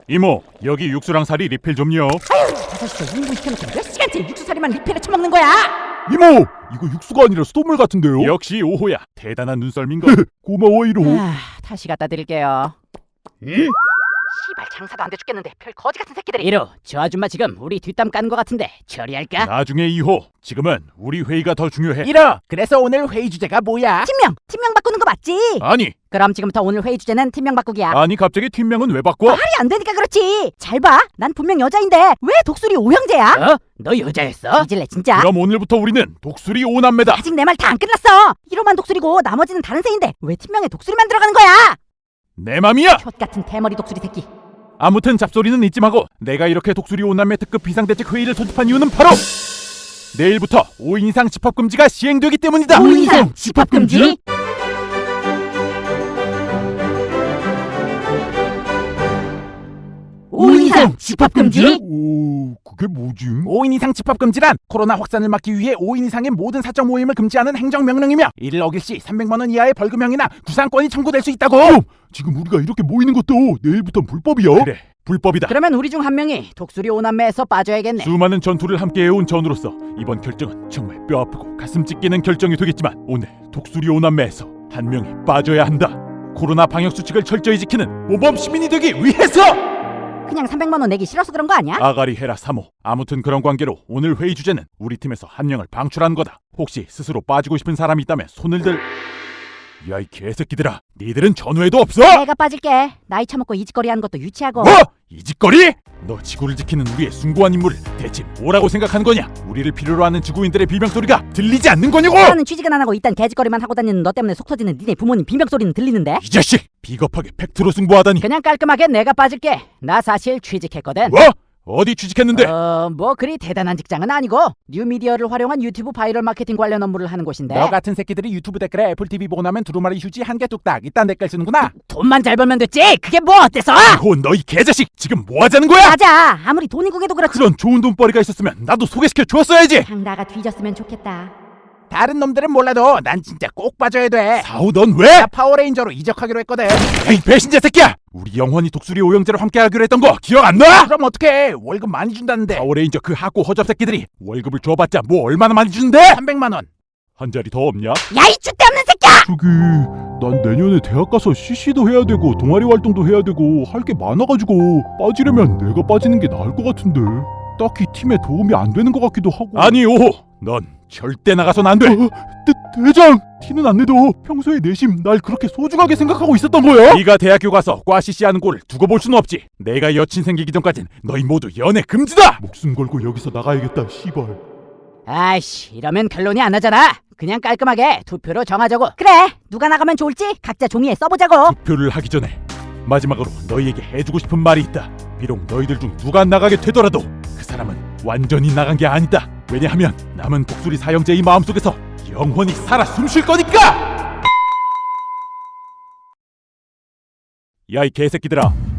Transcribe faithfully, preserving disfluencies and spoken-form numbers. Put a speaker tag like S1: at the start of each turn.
S1: 이모, 여기 육수랑 살이 리필 좀요.
S2: 아유, 다섯 시에 일 분 시켜놓고 몇 시간째 육수사리만 리필해 처먹는 거야?
S3: 이모! 이거 육수가 아니라 수돗물 같은데요?
S1: 역시 오호야, 대단한 눈썰민가.
S3: 고마워 이로.
S2: 아, 다시 갖다 드릴게요.
S3: 응?
S2: 씨발 장사도 안 돼 죽겠는데 별 거지 같은 새끼들이. 이로, 저 아줌마 지금 우리 뒷담 까는 거 같은데 처리할까?
S1: 나중에 이호. 지금은 우리 회의가 더 중요해.
S3: 이러! 그래서 오늘 회의 주제가 뭐야?
S2: 팀명! 팀명 바꾸는 거 맞지?
S1: 아니,
S2: 그럼 지금부터 오늘 회의 주제는 팀명 바꾸기야.
S1: 아니 갑자기 팀명은 왜 바꿔?
S2: 말이 안 되니까 그렇지. 잘 봐. 난 분명 여자인데 왜 독수리 오형제야?
S4: 어? 너 여자였어?
S2: 잊을래 진짜.
S1: 그럼 오늘부터 우리는 독수리 오남매다.
S2: 아직 내 말 다 안 끝났어. 이로만 독수리고 나머지는 다른 새인데 왜 팀명에 독수리만 들어가는 거야?
S1: 내 맘이야.
S2: 혓 같은 대머리 독수리 새끼.
S1: 아무튼 잡소리는 잊지 마고, 내가 이렇게 독수리 오남매 특급 비상대책 회의를 소집한 이유는 바로 내일부터 오 인 이상 집합금지가 시행되기 때문이다.
S2: 오 인 이상 집합금지? 오 인 이상 집합금지?
S3: 오, 그게 뭐지?
S4: 오 인 이상 집합금지란 코로나 확산을 막기 위해 오 인 이상의 모든 사적 모임을 금지하는 행정명령이며 이를 어길 시 삼백만 원 이하의 벌금형이나 구상권이 청구될 수 있다고.
S3: 어, 지금 우리가 이렇게 모이는 것도 내일부터 불법이야?
S1: 그래, 불법이다.
S2: 그러면 우리 중 한 명이 독수리 오남매에서 빠져야겠네.
S1: 수많은 전투를 함께 해온 전우로서 이번 결정은 정말 뼈아프고 가슴 찢기는 결정이 되겠지만, 오늘 독수리 오남매에서 한 명이 빠져야 한다. 코로나 방역 수칙을 철저히 지키는 모범 시민이 되기 위해서!
S2: 그냥 삼백만 원 내기 싫어서 그런 거 아니야?
S1: 아가리 헤라 삼 호. 아무튼 그런 관계로 오늘 회의 주제는 우리 팀에서 한 명을 방출한 거다. 혹시 스스로 빠지고 싶은 사람이 있다면 손을 들... 야, 이 개새끼들아, 니들은 전후에도 없어?
S2: 내가 빠질게. 나이 처먹고 이짓거리 하는 것도 유치하고.
S1: 뭐? 이 짓거리? 너 지구를 지키는 우리의 숭고한 임무를 대체 뭐라고 생각한 거냐? 우리를 필요로 하는 지구인들의 비명소리가 들리지 않는 거냐고!
S2: 나는 취직은 안 하고 이딴 개짓거리만 하고 다니는 너 때문에 속 터지는 니네 부모님 비명소리는 들리는데?
S1: 이 자식! 비겁하게 팩트로 승부하다니.
S2: 그냥 깔끔하게 내가 빠질게. 나 사실 취직했거든.
S1: 뭐? 어디 취직했는데?
S2: 어, 뭐 그리 대단한 직장은 아니고 뉴미디어를 활용한 유튜브 바이럴 마케팅 관련 업무를 하는 곳인데.
S4: 너 같은 새끼들이 유튜브 댓글에 애플티비 보고 나면 두루마리 휴지 한 개 뚝딱 이딴 댓글 쓰는구나.
S2: 돈만 잘 벌면 됐지. 그게 뭐 어때서?
S1: 이호, 너희 개자식! 지금 뭐 하자는 거야?
S2: 맞아. 아무리 돈이 국에도 그렇지.
S1: 그런 좋은 돈벌이가 있었으면 나도 소개시켜 줬어야지!
S2: 장다가 뒤졌으면 좋겠다.
S4: 다른 놈들은 몰라도 난 진짜 꼭 빠져야 돼.
S1: 사우, 넌 왜?
S4: 나 파워레인저로 이적하기로 했거든.
S1: 에이, 배신자 새끼야! 우리 영원히 독수리 오형제로 함께 하기로 했던 거 기억 안 나?
S4: 그럼 어떡해? 월급 많이 준다는데.
S1: 파워레인저 그 하고 허접 새끼들이 월급을 줘봤자 뭐 얼마나 많이 주는데?
S4: 삼백만 원.
S1: 한 자리 더 없냐?
S2: 야이 쭈대 없는 새끼야!
S3: 저기 난 내년에 대학 가서 씨씨도 해야 되고 동아리 활동도 해야 되고 할 게 많아가지고 빠지려면 내가 빠지는 게 나을 것 같은데 딱히 팀에 도움이 안 되는 것 같기도 하고.
S1: 아니 오호, 넌 절대 나가선 안 돼.
S3: 어, 대, 대장! 티는 안 내도 평소에 내심 날 그렇게 소중하게 생각하고 있었던 거야?
S1: 네가 대학교 가서 과 씨씨하는 꼴을 두고 볼 순 없지. 내가 여친 생기기 전까진 너희 모두 연애 금지다.
S3: 목숨 걸고 여기서 나가야겠다 씨발.
S2: 아이씨, 이러면 결론이 안 나잖아. 그냥 깔끔하게 투표로 정하자고. 그래, 누가 나가면 좋을지 각자 종이에 써보자고.
S1: 투표를 하기 전에 마지막으로 너희에게 해주고 싶은 말이 있다. 비록 너희들 중 누가 나가게 되더라도 그 사람은 완전히 나간 게 아니다. 왜냐하면 남은 독수리 사형제의 마음속에서 영원히 살아 숨쉴 거니까! 야, 이 개새끼들아,